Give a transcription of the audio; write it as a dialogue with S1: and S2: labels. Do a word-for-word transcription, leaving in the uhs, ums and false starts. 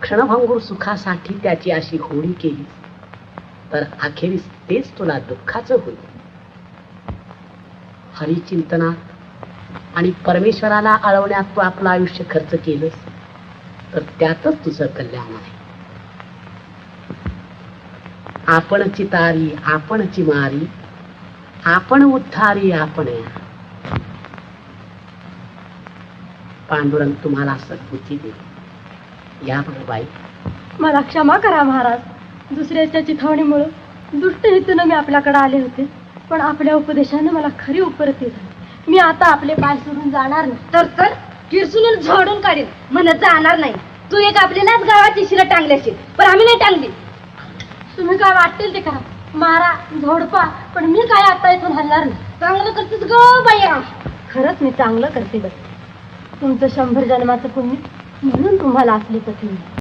S1: क्षणभंगूर सुखासाठी त्याची अशी होळी केली तर अखेरीस तेच तुला दुःखाचं होईल. हरिचिंतनात आणि परमेश्वराला आळवण्यात तू आपलं आयुष्य खर्च केलंस तर त्यातच तुझं कल्याण आहे. आपणची तारी आपणची मारी, आपण उद्धारी आपण या. पांडुरंग तुम्हाला सद्बुद्धी दे. या बाई.
S2: मला क्षमा करा महाराज. दुसऱ्याच्या चिथावणीमुळे दुष्ट हेतून मी आपल्याकडे आले होते, पण आपल्या उपदेशाने मला खरी उपरती झाली. मी आता आपले पाय सोडून जाणार नाही. तर तर किरसून झाडून काढेल. म्हणत जाणार नाही. तू एक आपल्यालाच गावाची शिरं टांगल्याशी, पण आम्ही नाही टांगली. तुम्ही काय वाटेल ते करा, मारा झोडपा, पण मी काय आता इथून हलणार नाही. चांगलं करतेस ग बाया. खरंच मी चांगलं करते बस. तुमचं शंभर जन्माचं पुण्य म्हणून तुम्हाला असले पती.